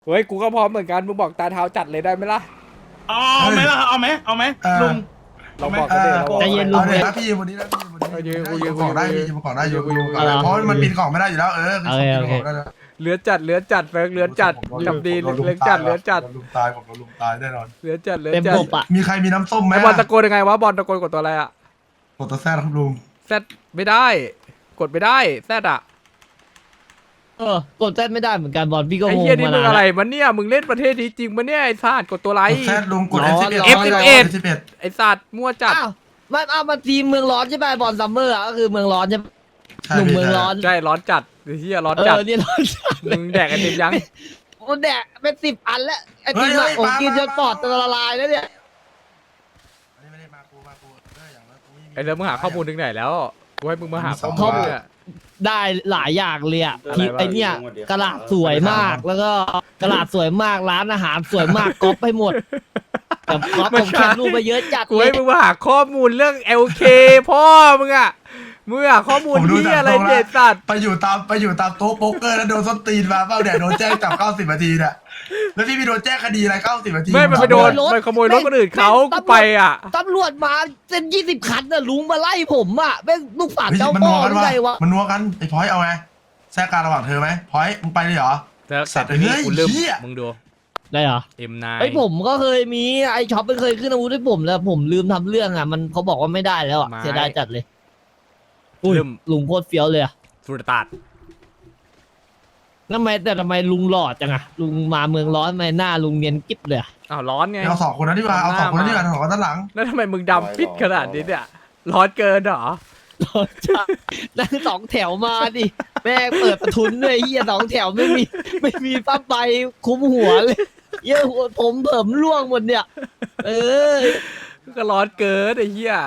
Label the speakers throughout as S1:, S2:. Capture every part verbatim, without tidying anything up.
S1: เฮ้ยกูก็พร้อมเหมือนกันมึงบอกตาเท้าจัดเลยได้ไหมล่ะ
S2: เอาไหมล่ะเอาไหมเอาไหมลุง
S1: เราบอกกันเลยเราบอก
S3: ใจเย็นลุง
S4: เอาเลยนะพี่วันนี้นะพี่วันนี้
S1: เอายืนกู
S4: กู
S1: ยื
S4: ยื
S1: น
S4: น
S1: กู
S4: ของได้
S1: ยืน
S4: พี่ยืนของได้อยู่
S1: กู
S4: กู
S1: ยื
S4: ยื
S1: น
S4: นของได้เพราะมันปีนของไม่ได้อยู่แล้วเออ
S3: โอเคโอเค
S1: เหลือจัดเหลือจัดเฟิร์กเหลือจัดกับดีเหลือจัดเหลือจัด
S4: ลุมตายผมลุมตายแน่นอน
S1: เหลือจัดเหลือ
S3: เต็ม
S1: จัด
S3: บบอ่ะ
S4: มีใครมีน้ำส้มไหม
S1: ไอบอลตะโกนยังไงวะบอลตะโกนกดตัวอะไรอะ
S4: กดตัวแซ่ครับลุง
S1: แซดไม่ได้กดไม่ได้แซดอะ
S3: เออกดแซดไม่ได้เหมือนกันบอลพี่ก็
S1: ไอ้
S3: งง
S1: เหี้ยนี่
S3: มา
S1: มึง
S3: นาน
S1: อะไร
S3: แล้ว
S1: มันเนี่ยมึงเล่นประเทศนี้จริงปะเนี่ยไอ้ซาดกดตัวไร
S4: กดแซ่ลุงกด
S3: ร้
S4: เอ
S3: อน
S4: สิบเอ็ด
S1: เอฟสิบเอ็ด
S4: สิบเอ็ด
S1: ไอ้ซาดมั่วจัด
S3: อ้าวมันอ้าวมันทีมเมืองร้อนใช่ไหมบอลซัมเมอร์อ่ะก็คือเมืองร้อนใช่ไหมหนุ่มเมืองร้อน
S1: ใช่ร้อนจัดไอ้เหี้ยร้อน
S3: เอ
S1: จัด
S3: อเนี่ยร้อนจัดเล
S1: มึ
S3: ย
S1: งแดกไอติมยัง
S3: มันแดกเป็นสิบอันแล้วไอติมอะผมกินจนปอดจะละลายแล้วเนี่ย
S4: ไม่ได้มากูมากูเอออย่างนั้นกูม่มี
S1: ไอ้เรื่องมึงหาข้อมูลถึงไหนแล้วกูให้มึงมาหาข้อ
S4: ข้
S1: มู
S4: อ
S1: ล
S4: มูล
S1: เนี่ย
S3: ได้หลายอย่างเลยอ่ะ
S1: อะไร
S3: ที่
S1: วะ
S3: ไอเนี่ยกระดาษสวยมากแล้วก็กระดาษสวยมากร้านอาหารสวยมากก๊อปไปหมดแต่ก๊อปผมแคปรูปไปเยอะจัด
S1: กู
S3: เล
S1: ให้
S3: ย
S1: มึงมาหาข้อมูลเรื่อง แอล เค พ่อมึงอะมึงหาข้อมูล
S4: ผมดู
S1: ที่
S4: จาก
S1: อะไร
S4: ตรงแล้ว
S1: เด็ดสัตว์
S4: ไปอยู่ตามไปอยู่ตามโต๊ะโป๊กเกอร์แล้วโดนส้นตีนมาเปล่าเนี่ยโดนแจ้งจับเก้าสิบนาทีเนี่ยแล้วพี่ไปโดนแจ้งคดีอะไรเก้าสิบนาที
S1: ไม่มันไปโดนมันขโมยรถคนอื่นเขากูไปอ่ะ
S3: ตำรวจมาเซ็นยี่สิบคันน่ะลุงมาไล่ผมอ่ะแม่งลูกฝาด
S4: เฮ้ย
S3: เจ้า
S4: มัน
S3: พ่
S4: นั
S3: อ
S4: ว
S3: ห
S4: กัน
S3: รือ
S4: วะ
S3: ไงวะ
S4: มันนัวกันไอ้พอยเอาไงแทรกการระหว่างเธอไหมพอยมึงไปเลยเหรอ
S1: แต่
S4: สั
S1: แต่
S4: ตว์
S1: ทีนี้
S4: เฮ้ย
S1: กูลืม
S4: เหี้ย
S1: มึงดู
S3: ได้เหรอ
S1: เอ็มนาย
S3: ไอ้ยผมก็เคยมีไอ้ช็อปมันเคยขึ้นอาวุธให้ผมแล้วผมลืมทำเรื่องอ่ะมันเขาบอกว่าไม่ได้แล้วอ่ะเสียดายจัดเลยอุ้ย
S1: ลืม
S3: ลุงโคตรเฟี้ยวเลยอ่ะ
S1: สุดตัด
S3: ทำไมแต่ทำไมลุงหล่อจังอ่ะลุงมาเมืองร้อนทำไมหน้าลุงเนียนกิ๊บเลยอะ
S1: อ้าวร้อนไง
S4: เอาสองคนนั้นดีกว่าเอาสองคนนั้นดีกว่าสองคนด้านหลัง
S1: แล้วทำไมมึงดำปิดขนาดนี้เนี่ยร้อนเกินเหรอ
S3: ร้อนจัดนั่งสองแถวมาดิแม่งเปิดประทุนด้วยเฮียสองแถวไม่มีไม่มีป้าใบคุ้มหัวเลยเหี้ยหัวผมเผิมร่วงหมดเนี่ย เออ
S1: ก็ร้อนเกินไอ้เหี้ย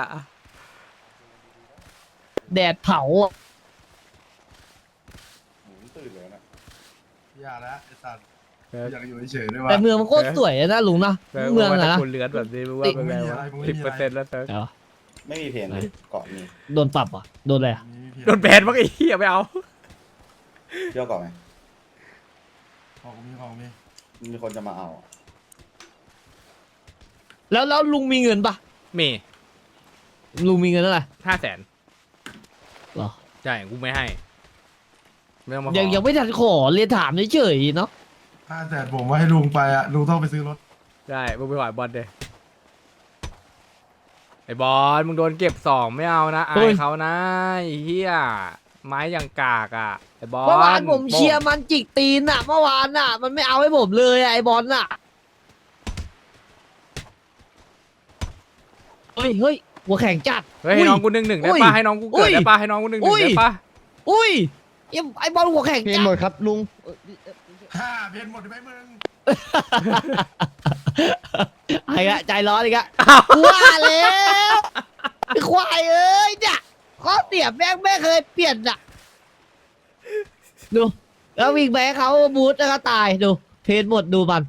S3: แดดเผาอะ
S4: อย่าแล้วไอ้สัตว์อยากอยู่เฉยๆด้วยวะ
S3: แต่เมืองมันโคตรสวยอะนะลุงนะ
S1: แต่
S3: เมือง
S1: ว่า
S3: อะ
S1: ถ้า
S3: นะ
S1: คุณเลือนแบบนี้มึงว่าเป็นไงวะสิบเปอร์เซ็นต์แล้วเซิร์ฟ
S3: เดี๋ยว
S5: ไม่มีเพลงเลยเกาะมี
S3: โดนปรับอ่ะโดนอะไรอ่ะ
S1: โดนแบนมั้งไอ้เหี้ยไม่เอา
S5: เที่ยวเกาะไหม
S4: ของมีของมี
S5: มีคนจะมาเอาอะ
S3: แล้วแล้วลุงมีเงินปะ
S1: เมย์
S3: ลุงมีเงินเท่าไหร่
S1: ห้าแสน
S3: หรอ
S1: ใช่กูไม่ให้ไม่ต้องมาขอ
S3: ยังยังไม่ทันขอเรียนถามเฉยๆเนาะ
S4: ห้าแสนผมว่าให้ลุงไปอ่ะลุงต้องไปซื้อรถ
S1: ได้มึงไปหวายบอลเดยไอ้บอลมึงโดนเก็บสองไม่เอานะอายเขานะไอ้เหี้ยไม้อย่างกากอ่ะไอ้บอล
S3: เมื่อวานผมเชียร์มันจิกตีนอ่ะเมื่อวานอ่ะ มันไม่เอาให้ผมเลยอะไอ้บอลอ่ะเฮ้ยเฮ้ยหัวแข็งจัด
S1: เฮ้ยให้น้องกูหนึ่งหนึ่งได้
S3: อุ้ย
S1: ป่ะให้น้องกู
S3: อุ้
S1: เกิด
S3: ย
S1: ได้ป่ะให้น้องกูหนึ่งหนึ่
S3: อุ้
S1: ง
S3: ย
S1: ได้ป่ะ
S3: อุ้ยไอ้ไอ้บอลหัวแข็ง
S6: เพลง
S3: จัด
S6: หมดครับลุง
S4: ห้าเพนหมดไหมมึง
S3: ไอ้กะใจร้อนอีกอะกูว่าแล้วไอ้ควายเอ้ยเนี่ยข้อเสียแม่งไม่เคยเปลี่ยนอ่ะดูแล้ววิ่งไปให้เขาบูทแล้วก็ตายดูเพนหมดดูมัน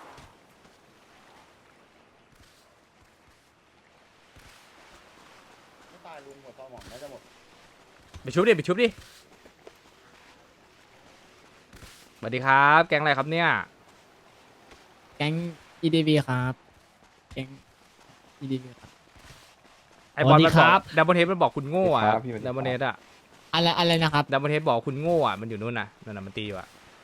S5: ไม่ตายลุงหมดความหวังน่าจะหมด
S1: ไปชุบดิไปชุบดิสวัสดีครับ แกงอะไรครับเนี่ย
S6: แก๊ง อี ดี บี ครับ แก๊ง อี ดี บี ครับ
S1: ไอ้บอล
S3: สวัสดี
S1: มัน
S3: ค
S1: บ
S3: รั
S1: อบ กดับเบิลเทสมันบอกคุณโง่อะดับเบิลเทสอะ
S6: อะไรอะไรนะครับ
S1: ดับเบิลเทสบอกคุณโง่อะมันอยู่นู่นน่ะนั่นน่ะมันตีอยู่อะ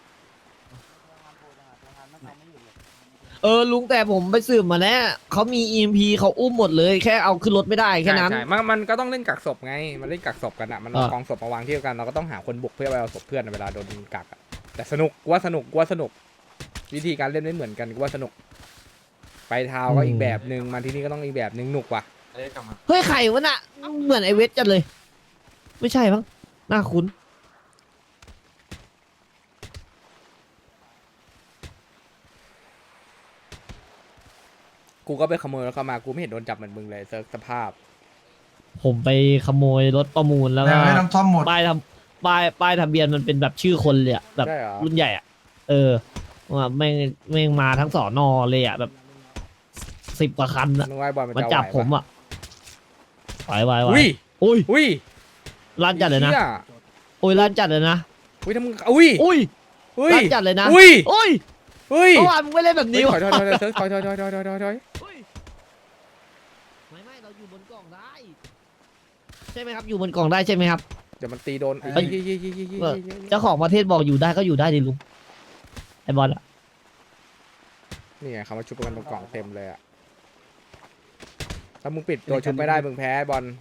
S3: เออลุงแต่ผมไปสืบมาแล้วเขามี อี เอ็ม พี เขาอุ้มหมดเลยแค่เอาขึ้นรถไม่ได้แค่นั้น
S1: ใช่ใช่มันมันก็ต้องเล่นกักศพไงมันเล่นกักศพกันอะมันเอา
S3: อ่า
S1: กองศพมาวางที่เดียวกันเราก็ต้องหาคนบุกเพื่อไปเอาศพเพื่อนอะเวลาโดนกักอะแต่สนุกกูว่าสนุกกูว่าสนุก วิธีการเล่นไม่เหมือนกันกูว่าสนุก ไปเท้าก็อีกแบบหนึ่งมาที่นี่ก็ต้องอีกแบบหนึ่งหนุกว่ะ
S3: เฮ้ยไข่วะน่ะเหมือนไอเวทจัดเลย ไม่ใช่มั้งน่าคุ้น
S1: กูก็ไปขโมยแล้วก็มากูไม่เห็นโดนจับเหมือนมึงเลยเซิร์ฟสภาพ
S3: ผมไปขโมยรถประมูลแล้ว
S4: แม่
S3: ก็
S4: งให้น้ำท่อมหมด
S3: ป้ายทำป้ายป้ายทะเบียนมันเป็นแบบชื่อคนเลยอะแบบ
S1: ใช่เหรอ
S3: รุ่นใหญ่อะเออว่าแม่งแม่งมาทั้งสอนอเลยอะแบบสิบกว่าคันอะ
S1: มึงว่าไอ้บอลมัน
S3: มัน
S1: จะ
S3: จับ
S1: ไหว
S3: ผม
S1: ปะ
S3: อะไหวไหวไหว
S1: อุ้ย
S3: อุ้ย
S1: อุ้ย
S3: ลั่นจัดเลยนะ
S1: หี้
S3: อุ้ยลั่นจัดเลยนะ
S1: อุ้ยถ้ามึงอุ้ย
S3: อุ้ย
S1: อุ้ย
S3: ลั่นจัดเลยนะ
S1: อุ้ย
S3: อุ้ย
S1: เฮ้ย
S3: เมื่อวานมึงไม่เล่นแบบ
S1: เฮ้ย
S3: นี้
S1: ถ
S3: วะ
S1: อยถอยถอยถอยถอยถอยถอยถอยถอยถอย
S3: ไม่ไม่เราอยู่บนกล่องได้ ใช่ไหมครับอยู่บนกล่องได้ใช่ไหมครับ
S1: เดี๋ยวมันตีโดน
S3: เฮ้ย เจ้าของประเทศบอกอยู่ได้ก็อยู่ได้ดิลุงไอบอลอะ
S1: นี่ไงเขามาชุบกันตรงกล่องเต็มเลยอะถ้ามึงปิดตัวชุบไม่ได้มึงแพ้บอล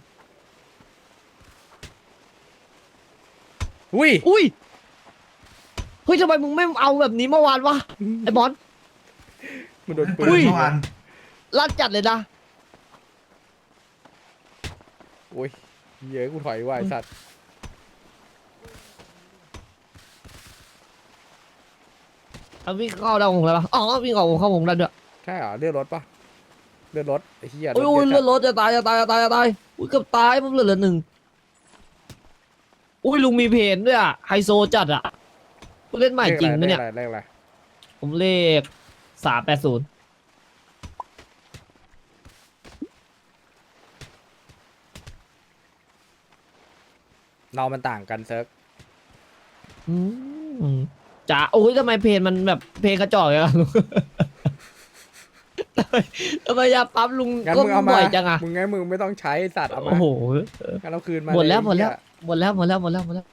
S1: อุ้ย
S3: อุ้ยเฮ้ยทำไมมึงไม่เอาแบบนี้เมื่อวานวะไอบอล
S1: มันโดนปื
S4: ปืน
S1: น
S4: เมื่อวาน
S3: ลั่นจัดเลยนะ
S1: โอ้ยเยอะกูถอยว่ะไอ้สัตว์
S3: เอาวิ่งเข้าดาวของอะไรปะอ๋อวิ่งออกเข้าวงได้ด้วย
S1: ใช่เหรอเลือดรถปะเลือดรถไอ้เหี้ยรถ
S3: โอ้ย
S1: เย
S3: โอ้ย
S1: อะ
S3: เลื
S1: จั
S3: อ
S1: ด
S3: ดรถจะตายจะตายจะตายจะตายอุ้ยเกือบตายผมเหลือเหลือหนึ่งอุ้ยลุงมีเพนด้วยอะไฮโซจัดอะกูเล่นใหม่จริงไหมเนี่ย
S1: เลขอะไรเลขอะไร
S3: ผมเลขสามแปดศูนย์
S1: เรามันต่างกันเซิร์ฟ
S3: จ๋าโอ้ยทำไมเพนมันแบบเพนกระจอกอย่างนั้นลุง ทำไมทำไมยาปั๊มลุง
S1: งั้น
S3: ก็
S1: มึงเอามา
S3: บ่อยจังอะ
S1: มึงงั้นมึงไม่ต้องใช้ไอ้สัตว์เอามา
S3: โอ้โห
S1: งั้นเอาคืนมา
S3: หมดแล้ว
S1: เย
S3: หมดแล้ว
S1: ไอ้เย
S3: หมดแล้วหมดแล้วหมดแล้วหมดแล้ว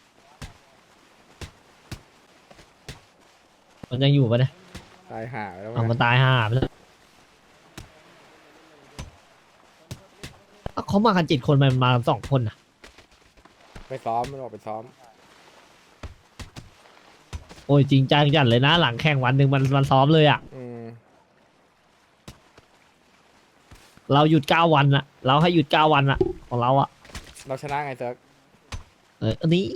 S3: มันยังอยู่ปะเนี่ย
S1: ตายห่าไปแล้ว
S3: เอามัน
S1: นะ
S3: ตายห่าไปแล้วเอ้าเขามากันเจ็ดคนมันมาสองคนน่ะ
S1: ไปซ้อมมันออกไปซ้อม
S3: โอ้ยจริงจังจัดเลยนะ หลังแข่งวันหนึ่งมันมันซ้อมเลยอ่ะ
S1: อืม
S3: เราหยุดเก้าวันอะเราให้หยุดเก้าวันอะของเราอะ
S1: เราชนะไงเซิร์ฟ
S3: เอออันนี้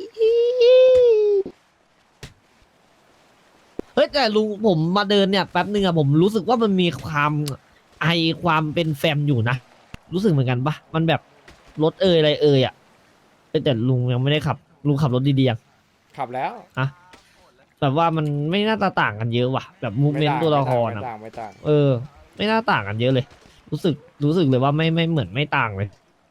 S3: เฮ้ยแต่ลุงผมมาเดินเนี่ยแป๊บนึงอะผมรู้สึกว่ามันมีความไอความเป็นแฟมอยู่นะรู้สึกเหมือนกันปะมันแบบรถเอยอะไรเอยอะเอ้ยแต่ลุงยังไม่ได้ขับลุงขับรถดีๆยัง
S1: ขับแล้ว
S3: แบบว่ามันไม่น่าจะต่างกันเยอะว่ะ แบบมูเมนต์ตัวละคร
S1: ไม่
S3: อะ
S1: ต่างไม่ต่าง
S3: เออ ไม่น่าต่างกันเยอะเลย รู้สึกรู้สึกเลยว่าไม่ไม่เหมือนไม่ต่างเลย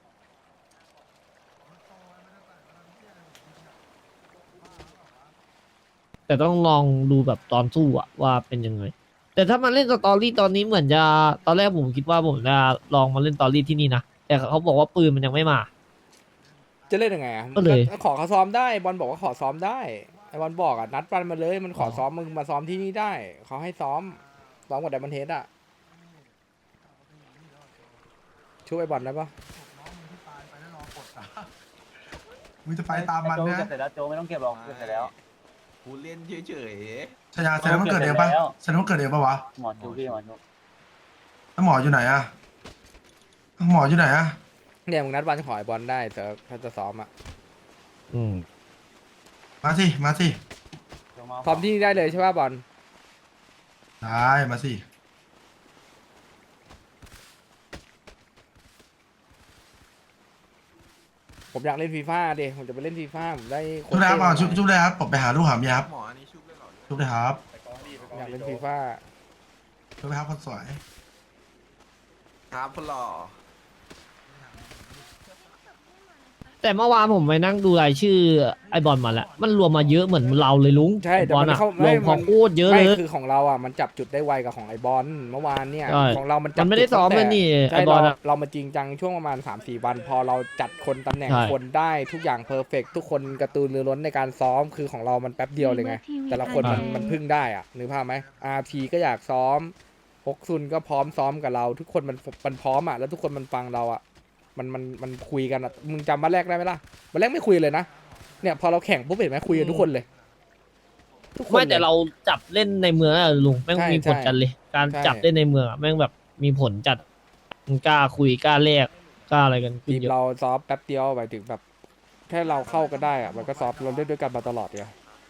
S3: แต่ต้องลองดูแบบตอนสู้อะว่าเป็นยังไง แต่ถ้ามาเล่นสตอรี่ตอนนี้เหมือนจะตอนแรกผมคิดว่าผมจะลองมาเล่นสตอรี่ที่นี่นะแต่เขาบอกว่าปืนมันยังไม่มา
S1: จะเล่นยังไงอะ
S3: ก็เลย
S1: ก็ขอเขาซ้อมได้บอลบอกว่าขอซ้อมได้ไอ้บอลบอกอ่ะนัดปันมาเลยมันขอซ้อมมึงมาซ้อมที่นี่ได้เขาให้ซ้อมซ้อมกับไดมอนเฮดอ่ะช่วยไอ้บอลได้ปะ
S4: มึงจะไปตามมันนะ
S5: เสร็จแล้วโจไม่ต้องเก็บหรอกเสร็จแล้ว
S7: กูเล่นเฉย
S4: ชายาแสดงว่าเกิดเองปะแสดงว่าเกิดเองปะวะ
S5: หมอจูพี่หมอจู
S4: แล้วหมออยู่ไหนอะหมออยู่ไหนอะ
S1: เนี่ยมึงนัดวันขอไอ้บอลได้เซิร์ฟถ้าจะซ้อมอ่ะ
S3: อืม
S4: มาสิ มาสิ
S1: ซ้อมที่นี่ได้เลยใช่ป่ะบอล
S4: ได้มาสิ
S1: ผมอยากเล่นฟีฟ่าดิผมจะไปเล่นฟีฟ่าผมได้ค
S4: ชุบเลยครับ
S1: เท่
S4: อ่ะชุบชุบเลยครับผมไปหาลูกหาเมียครับ
S7: ๆหมออันนี้ชุบได้หรอ
S4: ชุบเลยครับ
S1: อยากเล่นฟีฟ่า
S4: ชุบเลยครับคนสวย
S7: ครับพลอ
S3: แต่เมื่อวานผมไปนั่งดูรายชื่อไอบอลมาแล้วมันรวมมาเยอะเหมือนเราเลยลุง
S1: ใช่
S3: ไอ้
S1: แต่
S3: บอล
S1: มัน
S3: อะ
S1: เข้าร
S3: ว
S1: ไม่
S3: มพอ
S1: มัน
S3: โคตรเยอะ
S1: ไม่
S3: เลย
S1: คือของเราอ่ะมันจับจุดได้ไวกับของไอบอลเมื่อวานเนี่ย
S3: ใช่
S1: ของเรามันจับ
S3: มันไม่ได้
S1: จุ
S3: ซ้อม
S1: ตั้ง
S3: เลยนี่
S1: ใช่
S3: ไอบอล
S1: เรา
S3: อะ
S1: เรามาจริงจังช่วงประมาณ สามสี่ วัน พอเราจัดคนตำแหน่ง
S3: ใช่
S1: คนได้ทุกอย่างเพอร์เฟกทุกคนกระตือรือร้นในการซ้อมคือของเรามันแป๊บเดียวเลยไง แต่ละคนมันมันพึ่งได้อ่ะนึกภาพไหมอาร์ทีก็อยากซ้อมฮกซุนก็พร้อมซ้อมกับเรา ทุกคนมันมันพร้อมอ่ะแล้วทุกคนมันฟังเราอ่ะมันมันมันคุยกันอ่ะมึงจำมาแรกได้ไหมล่ะมาแรกไม่คุยเลยนะเนี่ยพอเราแข่งปุ๊บเห็นไหมคุยกันทุกคนเลยทุกคน
S3: ไม่แต่
S1: ลย
S3: เราจับเล่นในเมืองอะลุงแม่ง
S1: ใช่
S3: มีผล
S1: ใช่
S3: จัดเลย การ
S1: ใช่
S3: จับเล่นในเมืองอะแม่งแบบมีผลจัดมันกล้าคุยกล้าแลกกล้าอะไรกันขึ้
S1: ที
S3: น
S1: ม
S3: เยอะ
S1: เราซ้อมแป๊บเดียวหมายถึงแบบแค่เราเข้ากันได้อ่ะมันก็ซ้อมเราเล่นด้วยกันมาตลอดเลย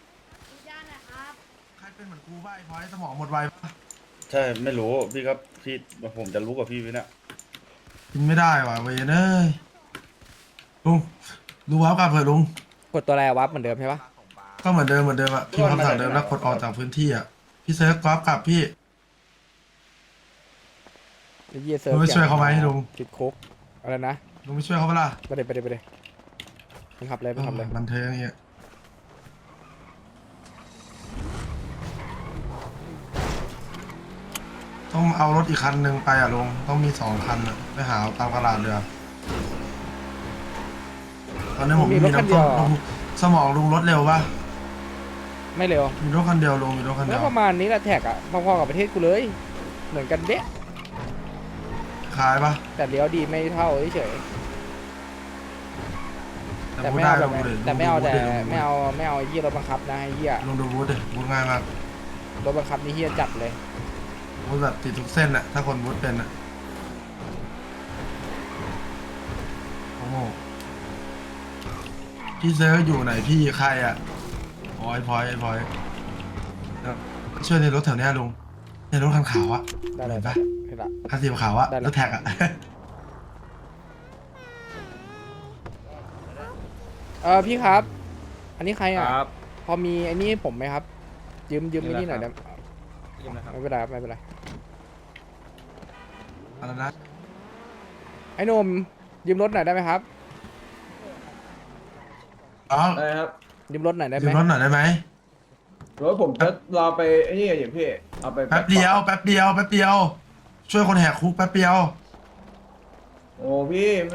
S4: ใครเป็นเหมือนกูบ้าไอ้พอยสมองหมดไวปะ
S5: ใช่ไม่รู้พี่ครับพี่ผมจะรู้กับพี่วิเนี่ย
S4: กินไม่ได้ว่ะเวยเนยลุงดูว้าวกลับเถอะลุง
S1: กดตัวแรวับเหมือนเดิมใช่ปะ
S4: ก็เหมือนเดิมเหมือนเดิมอะพิมพ์คำสั่งเดิมแล้วกดออกจากพื้นที่อะพี่เซิร์ฟกราฟกลับพี่
S1: ไอ้เหี้ยเซิร์ฟ
S4: ลุงไปช่วยเขาไหมลุง
S1: ติดคุกอะไรนะ
S4: ลุงไม่ช่วยเขาเปะล่า
S1: ไปเลยไปเลยไปเลยไปขับเลยไปขับเลย
S4: บันเทิงอย่างเงี้ยต้องเอารถอีกคันหนึ่งไปอ่ะลุงต้องมีสองคันอ่ะไปหาเอาตามตลาดเรือตอนนี้ผมมีน้ำส้มลุงสมองลุงรถเร็วปะ
S1: ไม่เร็ว
S4: มีรถคันเดียวลุงมีรถคันเดี
S1: แล้
S4: ยว ว
S1: ประมาณนี้แหละแท็กอะพอๆกับประเทศกูเลย เหมือนกันเด๊ะ
S4: ขายปะ
S1: แต่เลี้ยวดีไม่เท่าเฉยๆแต่ไม่
S4: ได้
S1: เอาแบ
S4: ล
S1: บ
S4: งดูดิ
S1: แต่ไม่เอาแต่
S4: ลงดูดิ
S1: ไม่เอาไม่เอาไอ้เหี้ยรถบังคับนะไอ้เหี้ย
S4: ลงดูบูธดิบูธง่ายมาก
S1: รถบังคับนี่เหี้ยจัดเลย
S4: บูธแบบติดทุกเส้นอ่ะถ้าคนบูธเป็นอ่ะโอ้โหพี่เซอร์อยู่ไหนพี่ใครอ่ะพอยพอยพอยช่วยในรถแถวเนี้ยลุงในรถคันขาวอ่ะ
S1: ได้เลย
S4: เห็นปะ
S1: เห็นละ
S4: คันสีขาวอ่ะ
S1: ได้เลย
S4: รถแท็กอ่ะ
S1: เออพี่ครับ อันนี้ใครอ่ะ
S8: ครับ
S1: พอมีไอ้นี่ให้ผมไหมครับ ยืมยืม
S8: นี่
S1: ไอ้นี่ห
S8: แห
S1: น่อ
S8: ละ
S1: ย
S8: ครั
S1: ได้
S8: บ ยืมนะครับ
S1: ไม่เป็นไรครับไม่เป็นไร
S4: อะไรนะ
S1: ไอ้หนุ่มยืมรถหน่อยได้ไหมครับ
S4: อ๋อ
S8: ได้ครับ
S1: ยืมรถหน่อยได้ไห
S4: ยื
S1: ม
S4: มรถหน่อยได้ไหม
S8: รถผมจะรอไปไอ้นี่อย่างพี่ เอาไป
S4: แป๊บเดียวแป๊บเดียวแป๊บเดียว ช่วยคนแหกคุกแป๊บเดียว
S8: โอ้พี่ไม่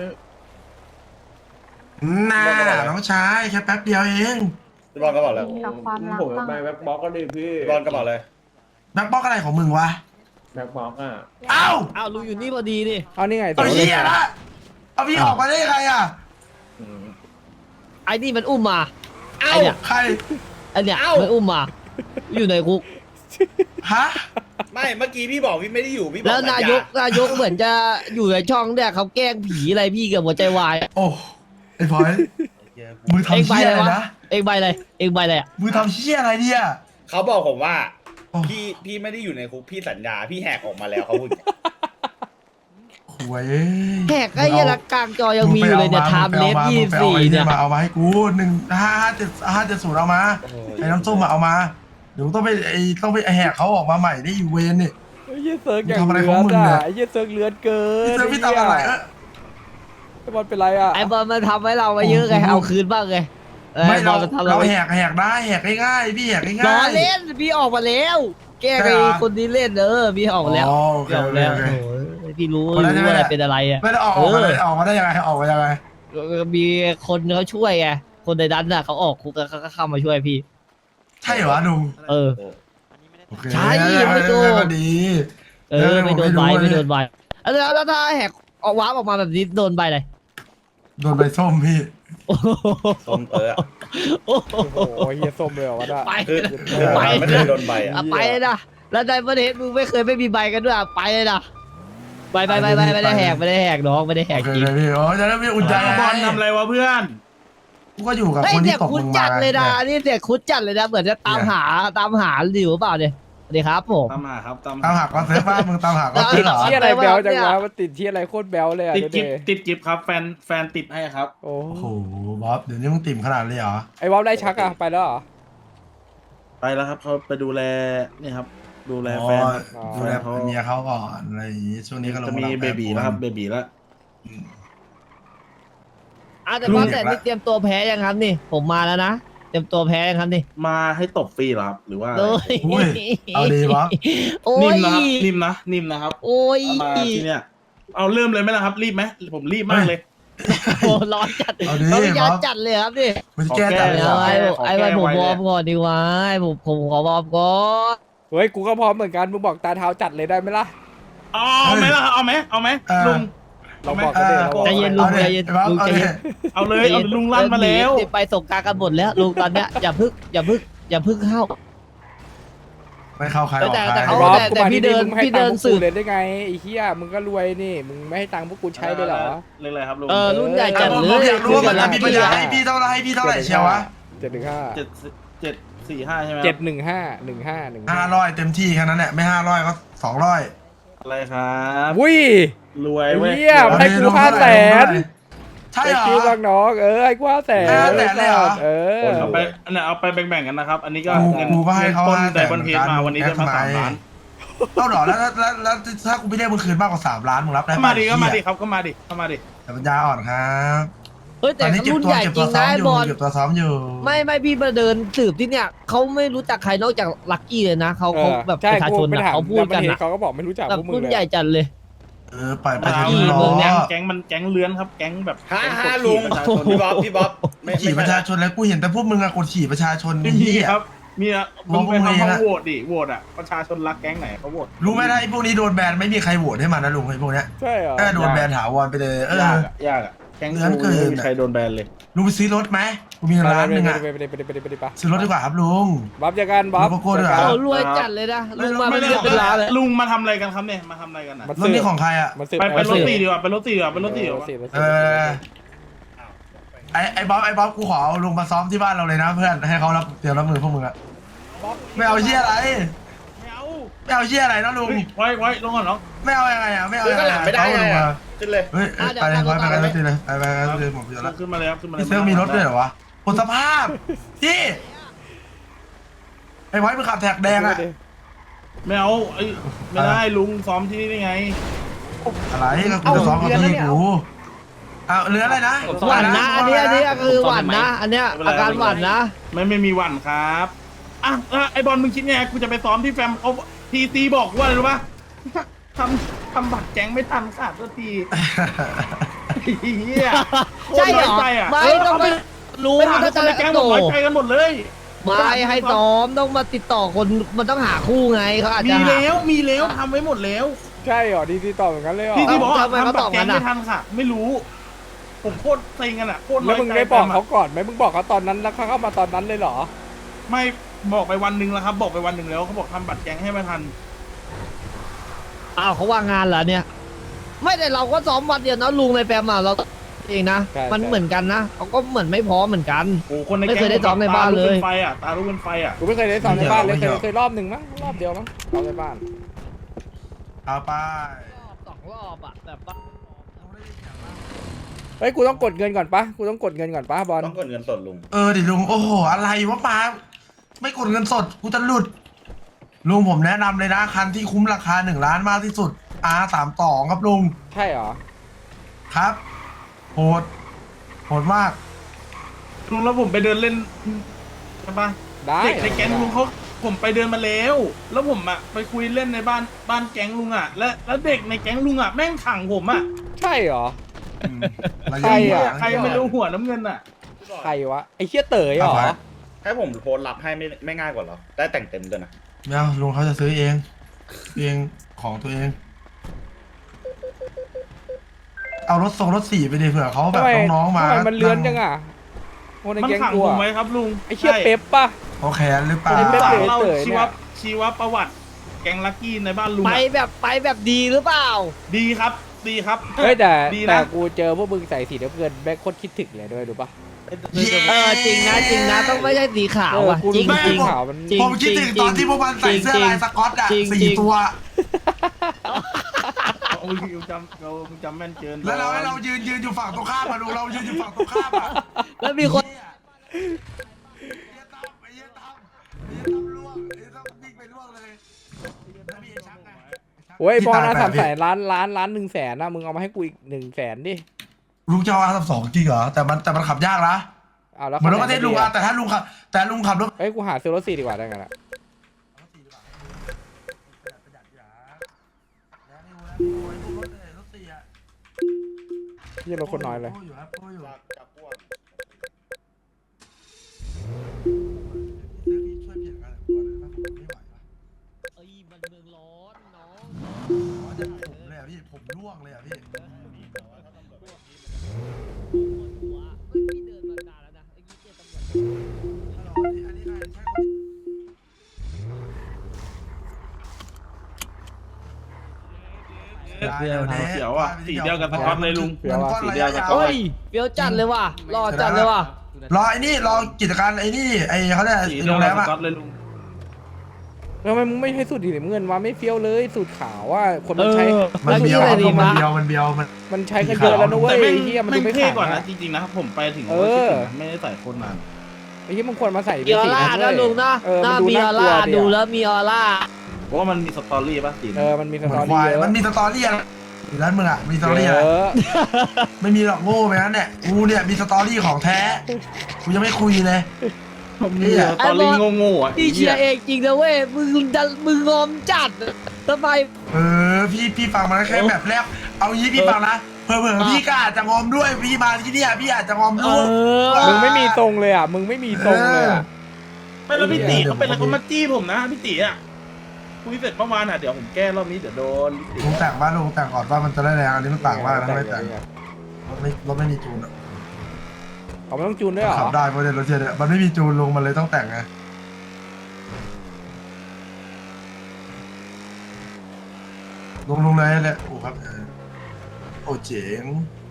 S4: น่าน้องชายแค่แป๊บเดียวเอง
S5: พี่บอลกระเป๋าแล้ว
S9: กับความรัก
S8: ผมจะ
S9: บ้าง
S8: ไปแบ็คบ็อกก็ดีพี่
S5: พี่บอลกระเป๋าเลย
S4: แบ็คบ็อกอะไรของมึงวะ
S8: แบ็คบ็อกอ่ะ
S4: เอ้า
S3: อ้าวลุงอยู่นี่พอดีดิ
S1: เอานี่ไง
S4: เอาเหี้ยละเอาพี่ออกมาได้ไงอ่ะ
S8: อืม
S3: ไอ้นี่มันอุ้มมา
S4: เอ้า
S3: ไอ้เนี่ย
S4: ใคร
S3: ไอ้เนี่ยมันอุ้มมา อยู่ในคุก
S4: ฮะ
S5: ไม่เมื่อกี้พี่บอกพี่ไม่ได้อยู่พี่บอก
S3: แล้วนายกนายกเหมือนจะอยู่ในช่องเนี่ยเขาแกล้งผีอะไรพี่เกับหัวใจวาย
S4: โอ้ไอ้พลอยมือ
S3: เอง
S4: ทำ
S3: ใบ
S4: เชี่ย
S3: อะไร
S4: อะไร
S3: วะ
S4: นะ
S3: เองใบอะไรเองใบอะไรอ่ะ
S4: มือทำเชี่ยอะไรเนี่ย
S5: เขาบอกผมว่า
S4: โอ้
S5: พี่พี่ไม่ได้อยู่ในคุกพี่สัญญาพี่แหกออกมาแล้วเขาพูดอย่างเงี้ย
S4: หวยเอ้ย
S3: แขกไอ้เหี้ยละกลางจอยังมีอยู่เลยเนี่ยไทม์เลสยี่สี่
S4: เนี่
S3: เนี่ย ย
S4: มาเอามาให้กูหนึ่งห้าห้าเจ็ดห้าเจ็ดศูนย์เอามาไอ้น้ำส้มมาเอามาเดี๋ยวต้องไปไอ้ต้องไปแหกเขาออกมาใหม่ได้อยู่เวนนี่
S1: ไอ้เหี้ยเซิร์กอย่าง
S4: มึงทำอะไร
S1: เลื
S4: ข
S1: อ
S4: อง
S1: ด
S4: มึงเนี่
S1: อ่ะ
S4: ย
S1: ไอ้เหี้ยเซิร์กเลือดเกิ
S4: พี่
S1: น
S4: เซอร์พี่ทำอะไรเออ
S1: ไอ้บอลเป็นไรอ่ะ
S3: ไอ้บอลมันทำให้เรามาเยอะไง
S4: โอ้โห
S3: เอาคืนบ้างไงเออ
S4: ไม่
S3: ไอ้บ
S4: เรา
S3: อลมันทำ
S4: เรา
S3: เรา
S4: แหกแหกได้แหกง่ายๆพี่แหกง่ายๆ
S3: ล้อเล่นพี่ออกมาแล้ว แกล้ง
S4: ใช่
S3: ไอ้
S4: เหรอ
S3: คนนี้เล่นเออพี่ออกมาแล้ว
S4: อ๋อโอเค
S3: พี่ออก
S4: โอเค
S3: แล้ว
S4: โอเค
S3: โอ้ยพี่รู้
S4: คนนั้น
S3: รู้
S4: ใช่ไหม
S3: อะไรเป็นอะไรอ่ะ
S4: ไม่ได้ออกออกมาเลยออกมาได้ยังไงออกมายังไง
S3: มีคนเขาช่วยไงคนในนั้นน่ะเขาออกคุกแล้วเขาก็เข้ามาช่วยพี่
S4: ใช่เหรอลุง
S3: เออ
S4: โอเค
S3: ใช่ไม่โกง
S4: ก็ดี
S3: เออไม่โดนใบ
S4: ไม่รู้
S3: ไม่โดนใบแล้วแล้วถ้าแหกออกวาร์ปออกมาแบบนี้โดนใบอะไร
S4: โดนใบส้มพี่
S3: โอ้โห
S5: ส้มเตออะ
S3: โอ้โห
S1: โอ้โหเหี้ยส้มเลยเหรอวะน่ะ
S3: ไป
S5: คือ
S1: เอ
S5: คือ
S1: อ
S3: ไป
S5: ไม่เคยโดนใบอ่ะ
S3: อ่ะไปเลยนะแล้วในประเทศมึงไม่เคยไม่มีใบกันด้วยอ่ะไปเลยนะไปไปไปไปไม่ได้แหกไม่ได้แหกน้องไม่ได้แห
S4: โอก เค
S3: จริง
S4: เลยพี่โอ้จะได้ไม่อุ่นใจ
S2: บอลทำอะไรวะเพื่อน
S4: กูก็อยู่กับ
S3: เฮ้ย
S4: คน
S3: เสี
S4: ที่
S3: ยง
S4: ตก
S3: คุ้น
S4: ลง
S3: จั
S4: มา
S3: ดเลยนะนี่เสียงคุ้นจัดเลยนะเหมือนจะตามหาตามหาอยู่หรือเปล่าเนี่ยสวัสดีครับผม
S2: ตามหาครับตาม
S4: ตามหาก้อนเซฟป้ามึงตามหาก้อนเซฟเหรอ
S1: เที่ยอะไรแบลจังวะมันติดเที่ยอะไรโคตรแบลเลยอ่ะ
S2: ติด
S1: เดี๋
S2: กิ
S1: ยว
S2: ฟติดกิฟครับแฟนแฟนติดให้ครับ
S1: โอ้
S4: โอ้โหบ๊อบเดี๋ยวนี้มึงติ่มขนาดเลยเหรอ
S1: ไอ้วอลได้ชักอ่ะไปแล้วเหรอ
S2: ไปแล้วครับเขาไปดูแลนี่ครับ ดูแล
S4: อ๋อ
S2: แฟน
S4: ดูแล
S2: เขา
S4: เมียเขาก่อนอะไรอย่างงี้ช่วงนี้ก็ลง
S2: จะมี
S4: รับ
S2: เบบีแล้วครับเบบีแล้ว
S3: อ่ะแต่ว่าแต่นี่เตรียมตัวแพ้ยังครับนี่ ผมมาแล้วนะเตรียมตัวแพ้ยังครับนี่
S2: มาให้ตบฟรีเหรอครับ หรือว่าอะไร
S3: โอ้ย
S4: อุ้ยเอาดีบ๊อบ
S3: โอ้
S2: นิ่
S3: ย
S2: มนะครับนิ่มนะนิ่มนะครับ
S3: โอ้ย
S2: เอามาที่เนี่ยเอาเริ่มเลยไหมล่ะครับ รีบไหมผมรีบมากเลย
S3: โอ้ร้อนจัด
S4: เอาดี
S3: ต้องยา
S4: บ๊อบ
S3: จัดเลยครับนี่
S4: มึงจะแก้จัดเลย
S3: เดี๋
S4: เห
S3: ย
S4: ร
S3: ว
S4: อ
S3: ไอ้
S2: ขอแก้
S3: ไอ้วันผม
S2: ไว้
S3: ว
S2: เลย
S3: อร์มก่อนดีกว่าไอ้ผมผมขอวอร์มก่อน
S1: เฮ้ยกูก็พร้อมเหมือนกันมึงบอกตาเท้าจัดเลยได้ไหมล่ะ
S2: เอาเอาไหมล่ะเอาไหมเอาไหมลุง
S1: เราบอกกันเลยเราบอก
S3: ใจเย็นลุงใจเย็น
S4: บ๊อบ
S3: ลุง
S4: เอา
S3: ใจ
S4: ดิ
S3: เย็น
S2: เอาเลยเอาลุงลั่นมาแล้ว
S3: เดี๋ยไปส่งกลารกันหมดแล้วลุงตอนเนี้ยอย่าพึ่งอย่าพึ่งอย่าพึ่งเข้า
S4: ไม่เข้าใครออก
S3: แต่
S4: ใคร
S3: แต่
S1: ไอ้
S3: เขา
S1: บอส
S3: แต่
S1: กู
S3: แต่
S1: มา
S3: พี่
S1: ที่
S3: เดิ
S1: นี่
S3: น
S1: มึงให้
S3: พี่
S1: ตั
S3: เดิ
S1: ง
S3: น
S1: ค์พวก
S3: สื
S1: กู
S3: บ
S1: เลยได้ไงไอ้เหี้ยมึงก็รวยนี่มึงไม่ให้ตังค์พวกกูใช้เลยเหรอ
S2: เรื่องอะไรครับลุง
S3: เออรุ่นใหญ่จัด
S4: ผม
S3: เล
S4: ผม
S3: ย
S4: อยากรู้ว่ามันมีปัญญาให้พี่เท่าไหร่ให้พี่เท่าไหร่เชียววะ
S1: เจ็ดหนึ่งห้า
S2: เจ็ดเจ็ดสี่ห้าใช่ไหม
S1: เจ็ดหนึ่งห้าหนึ่งห้าหนึ่ง
S4: ห้าร้อยเต็มที่แค่นั้นแหละไม่ห้าร้อยก็สองร้อย
S2: อะไรครับ
S1: วุ้ย
S2: รวย
S1: ไอ้
S2: เว้ย
S1: เหี้ยให้กูห้าแสน
S4: ใช่
S1: ไอ้
S4: เหรอ
S1: คิวบางน้องเออไอ้กูห้าแสน
S4: ห้าแสนเลยเหรอ
S1: เออ
S2: เอาไปเนี่ยเอาไปแบ่งๆกันนะครับ อันนี้ก็
S4: กู
S2: เงิน
S4: กูก็ให้เขา
S2: ต้น
S4: ห้าแส
S2: ได
S4: น
S2: บอนเฮดมาวันนี้ได้มาสามล้าน
S4: เท่าหรอแล้วแล้วแล้วแล้วถ้ากูไม่ได้มึงคืนมากกว่าสามล้านมึงรับได้
S2: เข้า
S4: ปะ
S2: มาดิเข้ามาดิ
S4: เหี้ย
S2: ครับเข้ามาดิเข้ามาดิ
S4: แต่ปัญญาอ่อนครับ
S3: เฮ้ย
S4: ต
S3: แต่
S4: อนนี้เก็บ
S3: รุ่น
S4: ตัว
S3: ใหญ่
S4: เก็บ
S3: จ
S4: ตั
S3: ริ
S4: ว
S3: ง
S4: ซ้อ
S3: นะ
S4: ม
S3: ไอ้
S4: อยู่
S3: บอล
S4: เก็บตัวซ้อมอยู่
S3: ไม่ไม่พี่มาเดินสืบที่เนี่ยเขาไม่รู้จักใครนอกจากลักกี้เลยนะเขา
S1: เอ
S3: เขา
S1: อ
S3: แบบ
S1: ใช่
S3: ประชาชน
S1: กูไป
S3: อะ
S1: ถาม
S3: เขาพูดกัน
S1: ดับเบิลเฮด
S3: อะ
S1: เขาก็บอกไม่รู้จัก
S3: แบบ
S1: พวกมึง
S3: รุ่น
S1: เลย
S3: ใหญ่จัดเลย
S4: เออปล่อยไป
S3: ลั
S4: เถ
S3: ก
S4: อะ
S3: กี้
S4: พี่
S3: เมืองเนี้
S4: ล้
S3: ย
S4: อ
S5: แก๊งมันแก๊งเลื้อนครับ แก๊งแบบ
S9: ฮ่า
S5: แก๊ง
S9: ฮ่าก
S5: ด
S9: ลุ
S5: ขี่
S9: ง
S5: ประชาชนพี่บ๊อบพี่บ๊อบไม่
S4: ขี่
S5: ไม่
S4: ประ
S5: ใช่
S4: ชาชนแล้วกูเห็นแต่พวกมึงอะกดขี่ประชาชน
S8: ไม่
S4: นี่
S8: มี
S4: เหี้ย
S8: ครับ มีอะ
S4: มอง
S8: มึงไป
S4: พวกมึง
S8: ทำห้อง
S4: อะ
S8: โหวตดิโหวตอะประชาชนรักแก๊งไหนเขาโหวต
S4: รู้ไหมนะไอ้พวกนี้โดนแบนไม่มีใครโหวตให้มันนะลุงไอ้พวกเนี้ย
S1: ใช่เหรอ
S4: ก็โดนแบนถาวรไปเลยเออย
S5: ากอะยากอะแก๊ง
S4: เลื้อน
S5: กู
S4: เกิน
S5: ไม่มีใครโดนแบนเลย
S4: ลุงไปซื้อรถไหมกูมี
S1: ไป
S4: ร้านหนึ่งอะ
S1: ไปไปไปไปไปไปไปไป
S4: ซื้อรถดีกว่าครับลุง
S1: บ๊อบเจอกันบ๊อบ
S4: โลโก้ด้วยเหรอ
S1: เจอ
S3: เขา
S1: กัน
S3: รวยจัดเลยนะลุงมา
S8: ไม่
S3: เป็น
S8: ได้
S3: เรื่องเป็นราวเลย
S8: ลุงมาทำอะไรกันครับเนี่ยมาทำอะไรกันอะ
S1: มัน
S4: รถนี่ของใครอะ
S1: มันสืบ
S8: ไปไปรถ
S1: สืบ
S8: ตีดีกว่าไปรถตีดีกว่าไปรถตีดีกว่า
S1: สืบสืบ
S4: เออไอ้ไอ้บ๊อบไอ้บ๊อบกูขอเอาลุงมาซ้อมที่บ้านเราเลยนะเพื่อนให้เขารับเตรียมรับมือพวกมึงอะไม่เอาเชี่ยอะไร
S8: ไม่เอา
S4: ไม่เอาเชี่ยอะไรนะลุง
S8: เฮ้ยไว้ไว้ลงก่อนน้อง
S4: ไม่เอายังไงอะไม่เอา
S9: เฮ้ย
S4: ยัง
S9: ก็
S4: ไง
S9: หลัง
S4: อะ
S9: ไม่ได้
S4: เอาลุง
S9: ไง
S4: มา
S9: อะ
S5: ขึ้นเลย
S4: เฮ้ยเอ้ยไปเลยไปไปกันเลยไปไปกันเลยผมเดี๋ยวละ
S8: ขึ้นมาเลยครับขึ้นมาเลย
S4: พี่เซิร์ฟมีรถด้วยเหรอวะหมดสภาพพี่ไอ้ไว้มึงขับแท็กแดงอะ
S8: ไม่เอาไอ้ไม่ได้ลุงซ้อมที่นี่ได้ไง
S4: อะไรก็กูจะซ้อมกับพี่กูเอาเหลืออะไรนะ
S3: หวั่นนะอันนี้อันนี้คือหวั่นนะ อันเนี้ยอาการหวั่นนะ
S8: ไม่ไม่มีหวั่นครับอ่ะอ่ะไอบอลมึงคิดไงกูจะไปซ้อมที่แฟมเอาทีซีบอกว่าอะไรรู้ปะทำทำบัตรแก๊งไม่ทันขาดสักทีเฮีย
S3: ใช่เหรอ
S8: โคตน้อยใจอะ
S3: ไม่ต้องไปรู้
S8: ไปถาม
S3: ถ้า
S8: ค
S3: จะ
S8: นในแก๊งหม
S3: โต
S8: ดน้อยใจกันหมดเลย
S3: ไม่ให้ซ้อมต้องมาติดต่อคนมันต้องหาคู่ไงเขาอาจ
S8: มี
S3: จะหา
S8: แล้วมีแล้วทำไว้หมดแล้ว
S1: ใช่เหรอดีดีต่อเหมือนกันเลยเหรอ
S8: ที่ที่บอกว่า
S3: ทำไมเขา
S8: ทำบั
S3: ต
S8: ต
S3: อบ
S8: รแก๊ง
S3: งั้นอะ
S8: ไม่ทันค่ะ ไม่รู้ ผมโคตรเซ็งกันอ่ะโคตรน้
S1: แล้
S8: อ
S1: วย มึง
S8: ใจ
S1: ไม่บอก
S8: แฟมะ
S1: เขาก่อนไหมมึงบอกเขาตอนนั้นแล้วเขาเข้ามาตอนนั้นเลยเหรอ
S8: ไม่บอกไปวันหนึ่งแล้วครับ บอกไปวันหนึ่งแล้วเขาบอกทำบัตรแก๊งให้ไม่ทัน
S3: อ้าวเขาว่างงานเหรอเนี่ย ไม่แต่เราก็ซ้อมวันเดียวนะลุงในแปมอ่ะเราเองนะ
S1: ใช่
S3: มัน
S1: ใช่
S3: เหมือนกันนะเขาก็เหมือนไม่พร้อมเหมือนกัน
S8: โอ้คนใน
S3: ไม่
S8: แก๊ง
S3: เคยได้ซ้อมในบ้านเลย
S8: ตลุกเป็นไฟอ่ะตาลุกเป็นไฟอ่ะ
S1: กูไม่เคยได้สอนในบ้านเลยเคยเคยรอบหนึ่งมั้งรอบเดียวมั้งรอบในบ้าน
S4: เอาไป
S3: สองรอบอ่ะแบบว่า
S1: เฮ้ยกูต้องกดเงินก่อนปะกูต้องกดเงินก่อนปะบอล
S5: ต้องกดเงินสดลุง
S4: เออดิลุงโอ้โหอะไรวะปาไม่กดเงินสดกูจะหลุดลุงผมแนะนำเลยนะคันที่คุ้มราคาหนึ่งล้านมากที่สุด อาร์ สามสองครับลุง
S1: ใช่เหรอ
S4: ครับโหดโหดมาก
S8: ลุงแล้วผมไปเดินเล่นใช่ปะ
S1: ได้
S8: เด็กในแก๊งลุงเขาผมไปเดินมาแล้ว แล้วผมอ่ะไปคุยเล่นในบ้านบ้านแก๊งลุงอ่ะ และแล้วเด็กในแก๊งลุงอ่ะแม่งขังผมอ่ะ
S1: ใช่เหรอ
S4: อืมระ
S1: ใคร
S4: ยะ
S1: อะ
S4: ห่าง
S8: ใครไม่รู้หัวน้ำเงินอ่ะ
S1: ใครวะไอ้เชี่ยเต๋ยเหรอ
S5: ให้ผมโพสต์รับให้ไม่ไม่ง่ายกว่าเหรอ ได้แต่งเต็มด้วยนะ
S4: ไม่เอาลุงเขาจะซื้อเองเองของตัวเอง เอารถทรงรถสี่ไปดิเผื่อเขาแบ
S1: ทำ
S4: บ
S1: ไม
S4: น้องๆมา
S1: ทำไมมันเลื้อนจังอ่ะคนใน
S8: มัน
S1: แก๊ง
S8: ขัง
S1: กู
S8: ผม
S1: อะ
S8: ไว้ครับลุง
S1: ไอ้เชี่ย
S8: ใช่
S1: เป๊ปปะ
S4: เขาแขนหรือเปล่า
S1: ไอ้เป๊ป
S8: ฝาก
S1: ลย
S8: เล่า
S1: เต๋อ
S8: ชี
S1: เนี่
S8: วย ชีวประวัติ แก๊งลักกี้ในบ้านลุง
S3: ไป
S8: อะ
S3: แบบไปแบบดีหรือเปล่า
S8: ดีครับ ดีครับ
S1: เฮ้ยแต่
S8: ดี
S1: แต่
S8: นะ
S1: กูเจอพวกมึงใส่สีน้ำเงินแม่งโคตรคิดถึงเลยด้วยดูปะ
S3: เออจริงนะจริงนะต้องไม่ใช่สีขาวอ่ะ
S1: เออกู
S3: จริง
S1: รู้
S3: จริง
S1: ขาวมัน
S3: จริง
S4: ผมคิดถึงตอนที่พวกมันใส่เสื้อลายสก๊อตอะ
S3: จริง
S4: สี่
S3: จริง
S4: ตัว
S8: โอ้ยมึงจำเรามึงจำแม่นเกิน
S4: แล้วเราให้เรายืนยืนอยู่ฝั่งตรงข้ามอะดูเรายืนอยู่ฝั่งตรงข้ามอะ
S3: แล้วมีคน
S4: เหี้ยเหี้ยตั้มไอ้เหี้ยตั้มไอ้เหี้ยตั้มล่วงไอ้เหี้ยตั้มวิ่งไปล่วงเลยแล้วมีไอ้ชักไงไชัก
S1: โอ้ยบอลนะ
S4: ที่ต
S1: สาม
S4: แป
S1: แส
S4: ด
S1: นล้านล้านล้านหนึ่งแสนนะมึงเอามาให้กูอีกหนึ่งแสนดิ
S4: ลุงจะเอาอาร์สองจริงเหรอแต่มันแต่มันขับยากนะ
S1: เอาแล้ว
S4: เหมือนรถประเทศลุงอะ
S1: อะ
S4: แต่ถ้าลุงขับแต่ลุงขับรถ
S1: เฮ้ยกูหาซื้อรถสี่ดีกว่าได้ไงล่ะยี่รถคนน้อยเลย
S5: จากจากพวก
S3: เอ้ยมันเมืองร้อนน้อง
S4: ผมเลยอ่ะพี่ผมร่วงเลยอ่ะพี่
S3: หัวเฮ้ยพี่เดินมานานแล้วนะไอ้ยี่เจตำรวจ
S4: อันนี้อันนี้ใครใช่คน
S8: เดี๋ยวเสียวอ่ะสีเดียวกับสก๊อตเลยลุง
S1: เดี๋ยวว่ะ
S8: สีเดียวกับ
S3: เฮ้ยเฟี้ยวจัดเลยว่ะรอจัดเลยว่ะ
S4: รอไอ้นี่รอกิจการไอ้นี่ไอ้เขาเรียก
S8: สี
S4: ไอ้
S8: เดี
S4: โร
S8: ยว
S4: งแร
S8: กับ
S4: ม
S8: ส
S4: อะ
S8: ก๊อตเลยลุง
S1: ทำไมมึงไม่ให้สูตรสีน้ำเงินวะไม่เฟี้ยวเลยสูตรขาวว่าคน
S3: เอ
S1: มันใช้
S3: อ
S4: มัน
S3: แล้ว
S4: เบี
S3: นี่
S4: ยว
S3: อะไรดี
S4: มัน
S3: วะ
S4: เบียวมันเบียวมัน
S1: มันใช้กันเยอะแล้วนะเว้ย
S8: แต่แม่ง
S1: ไอ้เหี้ยมัน
S8: แม่
S1: ดู
S8: ง
S1: ไม่
S8: เท่
S1: ขาว
S8: กว่านะ
S1: นะ
S8: จริงๆนะผมไปถึง
S1: เออ
S8: ไม่ได้ใส่โคนนาน
S1: ไอ้เหี้ยมึงควรมาใส่
S3: มีออร่านะลุงนะ
S1: เออ
S3: ห
S1: มั
S3: น้าน
S1: ดู
S3: มีอ
S1: น่า
S3: อก
S1: ลัว
S3: ร่า
S1: ดิ
S3: ดู
S1: อะ
S3: แล้วมีออร่า
S8: เพราะว่ามันมีสตอรี่ป่ะสี
S1: เออมันมีส
S4: เหมื
S1: ต
S4: อ
S1: อน
S4: ควาย
S1: รี่เยอะ
S4: มันมีสตอรี่อะอยู่ร้านมึงอ่ะมีสตอ
S1: เย
S4: รี่อะไร
S1: อะ
S4: ไม่มีหรอกโง่ไปนั้นเนี่ยกูเนี่ยมีสตอรี่ของแท้กูยังไม่คุยเลย
S8: ผมมีแต่ตอรี่โง่ๆอ่ะ
S3: พี่เชียร์เองจริงนะเว้ยมึงดันมึงงอมจัดทำไม
S4: เออพี่พี่ฟังมาแค่แบบแรกเอางี้พี่ฟังนะเผลอๆพี่ก็อาจจะงอมด้วยพี่มาที่เนี่ยพี่อาจจะงอม
S3: เอ
S4: ด้วย
S3: อ
S1: มึงไม่มีทรงเลยอ่ะมึงไม่มีทรงเลยอ่ะ
S8: ไม่แล้วพี่ตีเขาเป็นอะไรเขามาจี้ผมนะพี่ตีอ่ะคุยเสร็จเมื่อวานอ่ะเดี๋ยวผมแก้รอบนี้เดี๋ยวโดนพี่ตี
S4: ลุงแต่งบ้านลุงแต่งก่อนว่ามันจะได้แรงอันนี้มันต่างมากนะไม่แต่งรถไม่รถไม่มีจูนอะ
S1: เขาไม่ต้องจูนด้วยเหรอ
S4: ขับได้เพราะเดี๋ยวรถเทียนเนี่ยมันไม่มีจูนลุงมันเลยต้องแต่งไงลุงลุงเลยแหละโอ้ครับเออโอ้เจ๋ง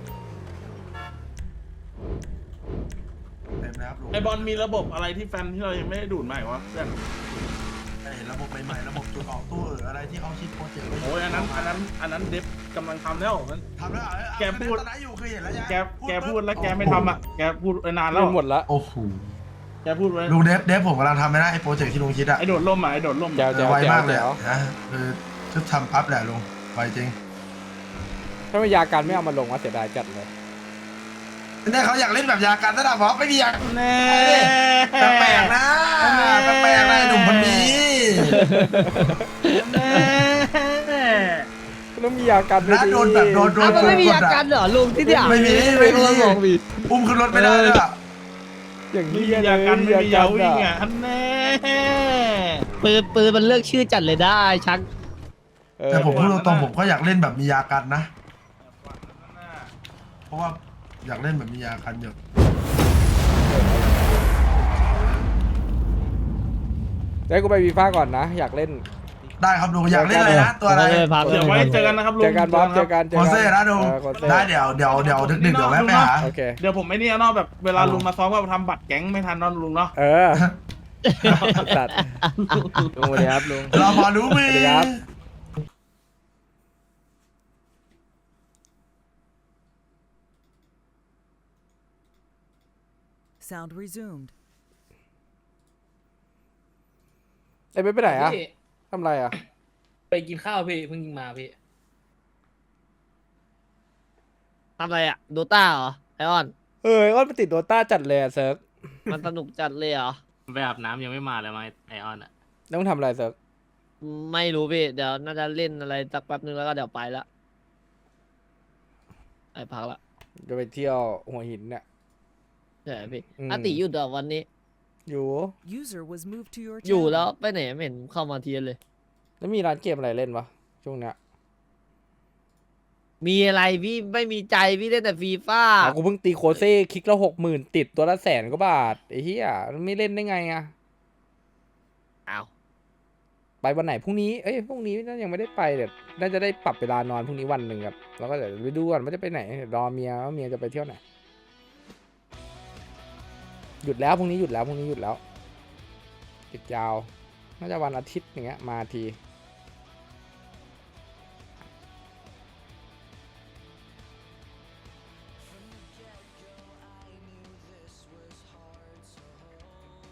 S4: เต็มแล้วลุง
S8: ไอบอลมีระบบอะไรที่แฟนที่เรายังไม่ได้ดูดใหม่วะเพื่อน
S4: เห็นระบบใหม่ๆระบบจุดออกตู้เอออะไรที่เขาคิดโปรเจกต์ไว้
S8: โอ้ยอันนั้นอันนั้นอันนั้นเดฟกำลังทำแล้วมัน
S4: ทำแล้วเหรอเออ
S8: แกพูด
S4: ตอนนั้นอยู่เคยเห็นแล้วยัง
S8: แกแกพูดแล้วแกไม่ทำอ่ะแกพูดไปนานแล้
S1: จู
S8: วน
S1: หมดละ
S4: โอ้โห
S8: แกพูดไว้
S4: ลุงเดฟเดฟผมกำลังทำไม่ได้ไอ้โปรเจกต์ที่ลุงคิดอะ
S8: ไอโดดล่มอ่ะไอโดดล่ม
S1: แจ๋ว
S4: เอ
S1: แจ๋
S4: อ
S1: ว
S4: ไว
S1: แจ๋
S4: มาว กเลย
S1: แจ๋ว
S4: อะนะคือชุดทำปั๊บแหละลุงไวจริง
S1: ถ้าไม่ยาการไม่เอามาลงว่าเสียดายจัดเลย
S4: เนี่ยเขาอยากเล่นแบบยาการระดับวะไม่มียา
S8: แน่
S4: แปลกๆนะแปลกๆนะไอ้หนุ่มคนนี้
S8: แน่
S1: ต้องมียาการด้วย
S4: นะ
S1: ดิ
S4: โดนแบบโดนโด
S3: อ้าวน มันไม่มี
S4: ก
S3: อา
S4: ดอะ
S3: การเหรอลุงที่เนี่ย
S4: ไม่มีไม่มีอุ้มขึ้นรถไม่ได้เลยอะ
S1: อย่าง
S8: ไม่
S1: นี้
S8: มียากันไม่มียาวิ่งอ่ะอันแน่
S3: ปืนปืนมันเลือกชื่อจัดเลยได้ชัก
S1: เออ
S4: แต่ผมพูดตรงๆผมก็อยากเล่นแบบมียากันนะ เพราะว่าอยากเล่นแบบมียากันอยู่
S1: เดี๋ยวกูไปวีฟ่าก่อนนะ อยากเล่น
S4: ได้ครับลุงอยากเล่นอะไรนะตัวอะไร
S3: เออพัก
S8: เดี๋ยวไว้เจอกันนะครับลุง
S1: เจอกันบอสเจอกันเจอ
S4: โค
S1: กัน
S4: เซ่นะลุง
S1: เออโคเซ่
S4: ได้เดี๋ยวเดี๋ยวเดี๋ยวดึกๆเดี๋ยวแวะไปหา
S1: โอเค
S8: เดี๋ยวผมไอ้นี่เนาะแบบเวลาลุงมาซ้อมก็ทำบัตรแก๊งไม่ทันเนอนลุงเนาะ
S1: เออตัดลุงสวัสดีครับลุง
S4: เราพอรู้มือ
S1: สวัสดีครับ
S9: Sound resumed.
S1: ไอ้เป๊ปไปไหนอะ
S6: พี่
S1: ทำไรอะ
S6: ไปกินข้าวพี่เพิ่งมาพี่
S3: ทำอะไรอ่ะโดต้าเหรอไอออน
S1: เออก็ไปติดโดต้าจัดเลยอะเซิร์ก
S3: มันสนุกจัดเลยเหรอ
S6: ไปอาบน้ำยังไม่มาเลยมาไอออนอ่ะ
S1: ต้องทำอะไรเซิร์ก
S3: ไม่รู้พี่เดี๋ยวน่าจะเล่นอะไรสักแป๊บนึงแล้วก็เดี๋ยวไปละไอพักละ
S1: จะไปเที่ยวหัวหินเนี่ย
S3: ใช่พี่
S1: อืม
S3: อาติหยุดเหรอวันนี้
S1: อยู่
S9: User was moved to your
S3: อยู่
S9: channel.
S3: แล้วไปไหนไม่เห็นเข้ามาเทียนเลย
S1: แล้วมีร้านเกมอะไรเล่นวะช่วงเนี้ย
S3: มีอะไรพี่ไม่มีใจพี่เล่นแต่ฟีฟ่า
S1: อ่ะกูเพิ่งตีโคเซ่คลิกละหกหมื่นติดตัวละแสนกว่าบาทไอ้เหี้ยไม่เล่นได้ไงอะ
S3: อ้าว
S1: ไปวันไหนพรุ่งนี้เอ้ยพรุ่งนี้น่ายังไม่ได้ไปเดี๋ยวน่าจะได้ปรับเวลานอนพรุ่งนี้วันหนึ่งครับแล้วก็เดี๋ยวไปดูก่อนว่าจะไปไหนเดี๋ยวรอเมียว่าเมียจะไปเที่ยวไหนหยุดแล้วพรุ่งนี้หยุดแล้วพรุ่งนี้หยุดแล้วหยุดยาวน่าจะวันอาทิตย์อย่างเงี้ยมาที